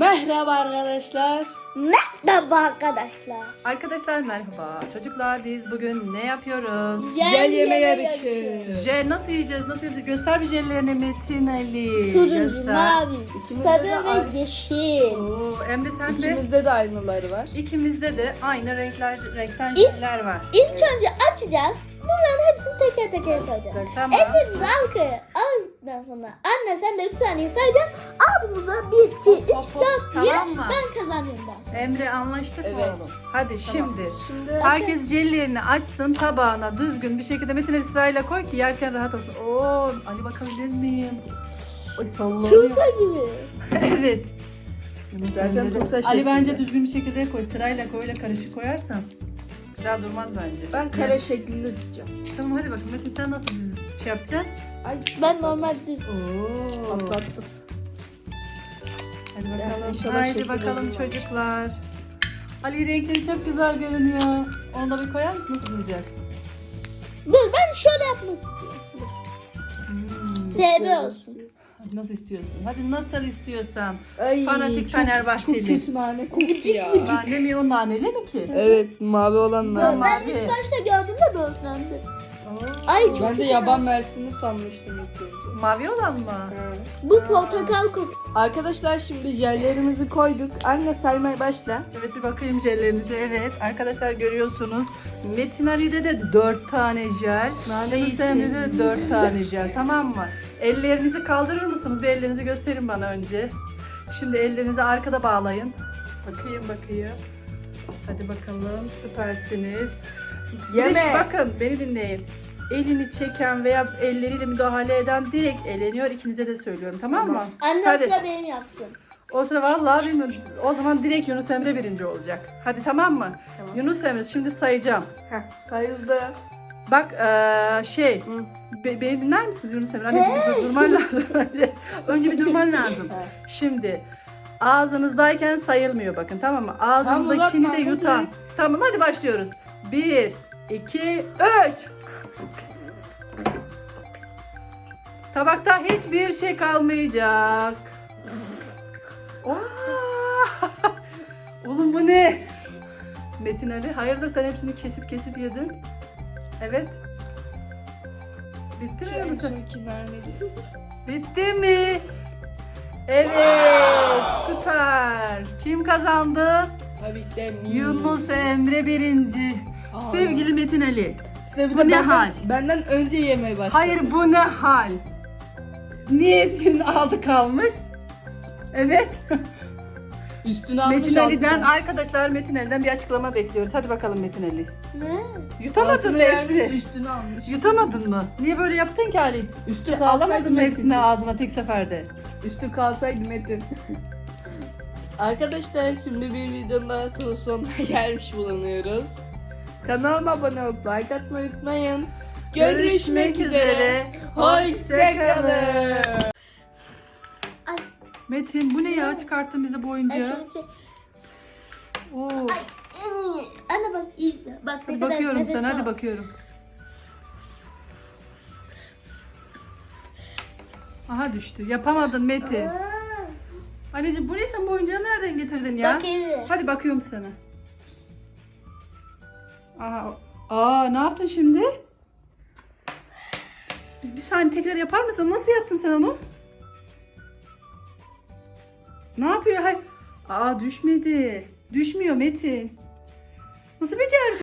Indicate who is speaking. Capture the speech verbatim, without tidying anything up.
Speaker 1: Merhaba arkadaşlar.
Speaker 2: Merhaba arkadaşlar.
Speaker 3: Arkadaşlar merhaba. Çocuklar biz bugün ne yapıyoruz?
Speaker 1: Jel yeme yarışı.
Speaker 3: Jel nasıl yiyeceğiz? Nasıl yapacağız? Göster bir jellerini Metin Ali.
Speaker 2: Turuncu,
Speaker 3: Göster.
Speaker 2: mavi,
Speaker 1: İkimizde
Speaker 2: sarı
Speaker 1: de
Speaker 2: ve
Speaker 1: aynı.
Speaker 2: yeşil.
Speaker 3: Oo, Emre sen de.
Speaker 1: İkimizde de aynıları var.
Speaker 3: İkimizde de aynı renkler, renkten
Speaker 2: İlk-
Speaker 3: jeller var.
Speaker 2: İlk önce açacağız. Bunların hepsini teker teker koyacağız.
Speaker 3: Tamam.
Speaker 2: Elimizi arkaya aldıktan sonra anne sen de üç saniye sayacaksın. Ağzımıza bir, iki, üç,
Speaker 3: Hop, hop,
Speaker 2: dört diye
Speaker 3: tamam mı?
Speaker 2: ben kazanıyorum daha sonra.
Speaker 3: Emre anlaştık mı
Speaker 1: Evet.
Speaker 3: oğlum? Hadi şimdi.
Speaker 1: Şimdi
Speaker 3: Herkes jellerini açsın tabağına düzgün bir şekilde Metin Ali sırayla koy ki yerken rahat olsun. Oo, Ali bakabilir miyim? Ay sallanıyor.
Speaker 2: Turta gibi.
Speaker 3: Evet.
Speaker 1: zaten turta
Speaker 3: Ali
Speaker 1: şeklinde.
Speaker 3: bence düzgün bir şekilde koy. Sırayla koy, öyle karışık koyarsan güzel durmaz bence.
Speaker 1: ben kare şeklinde diyeceğim.
Speaker 3: Tamam hadi bakın Metin sen nasıl dizi şey yapacaksın?
Speaker 1: Ay
Speaker 2: Ben normal düz.
Speaker 3: Oo.
Speaker 1: patlattım.
Speaker 3: Hadi
Speaker 1: Yani
Speaker 3: bakalım.
Speaker 1: inşallah
Speaker 3: Haydi
Speaker 1: şekil
Speaker 3: bakalım
Speaker 1: olur.
Speaker 3: çocuklar. Ali renkleri çok güzel görünüyor. Onu da bir koyar mısın? Nasıl duracak?
Speaker 2: Dur ben şöyle yapmak istiyorum. Dur.
Speaker 3: Hmm.
Speaker 2: S B olsun.
Speaker 3: Nasıl istiyorsun? Hadi nasıl istiyorsan.
Speaker 1: Ay,
Speaker 3: Fanatik
Speaker 1: çok,
Speaker 3: Fenerbahçeli.
Speaker 1: Çok kötü nane koktu ya.
Speaker 3: Nane mi o naneli mi ki?
Speaker 1: Evet mavi olan
Speaker 2: Ben,
Speaker 1: nane.
Speaker 2: ben
Speaker 3: mavi.
Speaker 2: ilk başta gördüğümde böğürtlendim.
Speaker 3: Oo.
Speaker 2: Ay, çok
Speaker 1: Ben de yaban mersini sanmıştım ilk önce.
Speaker 3: Mavi olan mı?
Speaker 1: Ha.
Speaker 2: Bu portakal kokuyor.
Speaker 1: Arkadaşlar şimdi jellerimizi koyduk. Anne saymaya başla.
Speaker 3: Evet bir bakayım jellerinize. Evet arkadaşlar görüyorsunuz. Metin Ali'de de dört tane jel.
Speaker 1: Nane
Speaker 3: Yunus Emre'de de dört tane jel. Tamam mı? Ellerinizi kaldırır mısınız? Bir ellerinizi gösterin bana önce. Şimdi ellerinizi arkada bağlayın. Bakayım bakayım. Hadi bakalım süpersiniz.
Speaker 1: Yeme.
Speaker 3: Şimdi bakın beni dinleyin. Elini çeken veya elleriyle müdahale eden direkt eleniyor. İkinize de söylüyorum tamam mı?
Speaker 2: Anne
Speaker 3: Hadi.
Speaker 2: sıra benim yaptım.
Speaker 3: O sıra vallahi bilmiyorum. O zaman direkt Yunus Emre birinci olacak. Hadi tamam mı?
Speaker 1: Tamam.
Speaker 3: Yunus Emre şimdi sayacağım.
Speaker 1: Heh, say hızlı.
Speaker 3: Bak eee, şey
Speaker 1: Hı.
Speaker 3: be- beni dinler misiniz Yunus Emre? Anneciğim bir dur- durman lazım önce. Önce bir durman lazım.
Speaker 1: Ha.
Speaker 3: Şimdi ağzınızdayken sayılmıyor bakın tamam mı? Ağzındakini
Speaker 1: uzatma,
Speaker 3: de yutan.
Speaker 1: hadi.
Speaker 3: Tamam hadi başlıyoruz. Bir, iki, üç. Tabakta hiçbir şey kalmayacak. Aa! Oğlum bu ne? Metin Ali hayırdır sen hepsini kesip kesip yedin. Evet. Bitti mi
Speaker 1: Şu
Speaker 3: Yunus?
Speaker 1: en iki nane değil.
Speaker 3: Bitti mi? Evet süper. Kim kazandı?
Speaker 1: Tabii ki de mi.
Speaker 3: Yunus Emre birinci.
Speaker 1: Aa.
Speaker 3: Sevgili Metin Ali.
Speaker 1: Size bir
Speaker 3: Bu
Speaker 1: de
Speaker 3: ne
Speaker 1: benden,
Speaker 3: hal?
Speaker 1: benden önce yemeye başladı.
Speaker 3: Hayır bu ne hal? Niye hepsinin altı kalmış? Evet.
Speaker 1: Üstüne almış
Speaker 3: Metin Ali'den
Speaker 1: altına.
Speaker 3: arkadaşlar Metin Ali'den bir açıklama bekliyoruz. Hadi bakalım Metin Ali.
Speaker 2: Ne?
Speaker 3: Yutamadın
Speaker 1: Altını
Speaker 3: mı
Speaker 1: vermiş,
Speaker 3: hepsini?
Speaker 1: üstüne almış.
Speaker 3: Yutamadın mı? Niye böyle yaptın ki Ali?
Speaker 1: Üstü kalsaydı
Speaker 3: Alamadın mı hepsini
Speaker 1: Metin.
Speaker 3: ağzına tek seferde?
Speaker 1: Üstü kalsaydı Metin. Arkadaşlar şimdi bir videonun daha sonuna gelmiş bulunuyoruz. Kanalıma abone olup like atmayı unutmayın. Görüşmek üzere. Hoşçakalın.
Speaker 2: Ay,
Speaker 3: Metin bu ne ya çıkarttın bize bu
Speaker 2: ay
Speaker 3: oyuncağı?
Speaker 2: şöyle bir şey.
Speaker 3: Oo.
Speaker 2: Ay, en iyi. Anne bak iyice. Bak ne
Speaker 3: Hadi
Speaker 2: kadar
Speaker 3: bakıyorum
Speaker 2: nefes
Speaker 3: sana hadi
Speaker 2: var.
Speaker 3: bakıyorum. Aha düştü. Yapamadın Metin.
Speaker 2: Aa,
Speaker 3: Anneciğim bu ne sen bu oyuncağı nereden getirdin ya?
Speaker 2: Bak iyi.
Speaker 3: Hadi bakıyorum sana. Aa, aa ne yaptın şimdi? Bir, bir saniye tekrar yapar mısın? Nasıl yaptın sen onu? Ne yapıyor? Hay. Aa düşmedi. Düşmüyor Metin. Nasıl becerdin?